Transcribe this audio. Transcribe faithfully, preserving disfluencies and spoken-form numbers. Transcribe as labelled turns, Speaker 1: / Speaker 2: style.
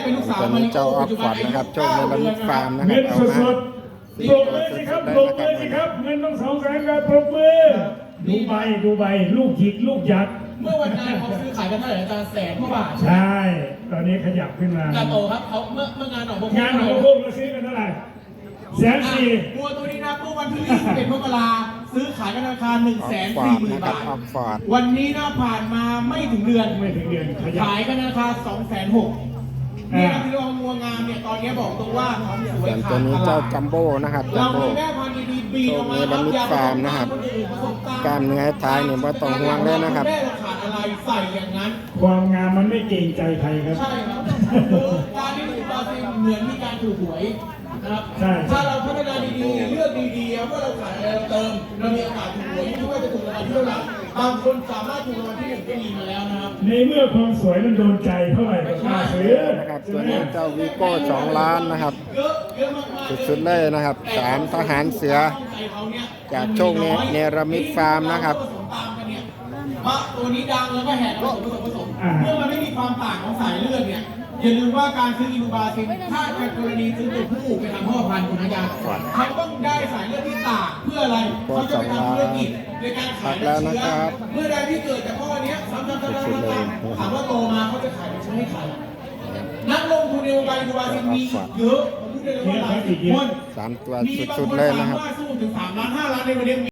Speaker 1: เป็นลูกสาว
Speaker 2: ตอนนี้เจ้าออฟฟอร์ดนะครับโชคในระมิดฟาร์มนะค
Speaker 3: เงิ
Speaker 2: รับ
Speaker 3: น
Speaker 2: เอา
Speaker 3: ส
Speaker 2: มา
Speaker 3: ดๆปรบมือสิครับปรบมือสิครับเงินต้องสองแสนครับปรบมือดูใบดูใบลูกหยิกลูกยักษ์
Speaker 1: เมื่อวันนั้นเขาซื้อขายกันเท่าไหร่อาจารย์แสนกว่าบาท
Speaker 3: ใช่ตอนนี้ขยับขึ้นมา
Speaker 1: จาโตครับเขาเมื่อเมื่องานหนองบัว
Speaker 3: งานของพวกเราซื้อกันเท่าไหร่แสนสี่
Speaker 1: บัวตัวนี้นะเมื่อวันที่ยี่สิบเอ็ดมกราซื้อขายกันราคาหนึ่ง
Speaker 2: ออ
Speaker 1: แส
Speaker 2: ฟ
Speaker 1: น
Speaker 2: ฟอ
Speaker 1: สี่
Speaker 2: ร์ด
Speaker 1: หมื่น
Speaker 2: นะครับ
Speaker 1: บาท
Speaker 2: ออฟฟอร์ด
Speaker 1: วันนี้น่าผ่านมาไม่ถึงเดือน
Speaker 3: ไม่ถึงเดือนขยับ
Speaker 1: ขายกันราคาสองแสนหกเนี่ยที่เรางัวงามเนี่ยตอนนี้บอกตรงว่าท้องสวย
Speaker 2: ส่วน
Speaker 1: ขา
Speaker 2: ตัว
Speaker 1: ด
Speaker 2: นี้
Speaker 1: ต
Speaker 2: เจ้า
Speaker 1: ลาด
Speaker 2: จัมโบ้นะครับจั
Speaker 1: เรา
Speaker 2: มโบ้
Speaker 1: มีแม่พันธุ์ดีๆบีออกมา
Speaker 2: โชคในระมิดฟาร์มนะครับ กล้ามเนื้อท้ายเนี่ยว่าต้องห่วงเลยนะครับ
Speaker 1: แม่เราขาดอะไรใส่อย่างนั้น
Speaker 3: ความงามมันไม่เกรงใจใครครับ
Speaker 1: ใช่ครับการที่ถูกบราซิลเหมือนมีการถูกหวยนะครับ
Speaker 3: ใช่
Speaker 1: ถ้าเราพัฒนาดีๆเลือกดีๆว่าเราขายอะไรเราเติมเรามีโอกาสถูกหวยไม่ว่าจะถูกรางวัลที่เท่าไหร่บางคนสามารถถูกรางวัลที่หนึ่งก็มีมาแล้วนะครับ
Speaker 3: ในเมื่อความสวยมันโดนใจเท่าไหร่ก็กล้าซื้อ
Speaker 2: นะครับตัวนี้เจ้าวีโก้สองล้านนะครับ
Speaker 1: เยอะเยอะมากๆ
Speaker 2: สุดๆเลยนะครับสามทหารเสือจากโชคเนเนรมิตฟาร์มนะครับ
Speaker 1: เพราะตัวนี้ดังแล้วก็แหกผสมผสมผสมเมื่อมันไม่มีความต่างของสายเลือดเนี่ยอย่าลืมว่าการซื้ออินูบาซินถ้าในกรณีซื้อตัวผู้ไปทำพ่อพันธุ์คุณอาจารย์เขาต้องได้สายเลือดที่ต่างเพื่ออะไรเขาจะไปทำธุรกิจในการขายน้ำเชื้อเมื่อใดที่เกิดจากพ่อเนี้ยซ้ำๆๆๆถามว่าโตมาเขาจะขายเป็นเชื้อให้ใครนักลงทุนในวงการอินูบาซินมีเยอะผมพูดได้เลยว่าหลายสิบคน
Speaker 2: สามตัว
Speaker 1: มีบาง
Speaker 2: สุด
Speaker 1: ค
Speaker 2: ๆ
Speaker 1: น
Speaker 2: เลย
Speaker 1: สา
Speaker 2: นะครับ
Speaker 1: มารถสู้ถึงสามล้านห้าล้านในวันนี้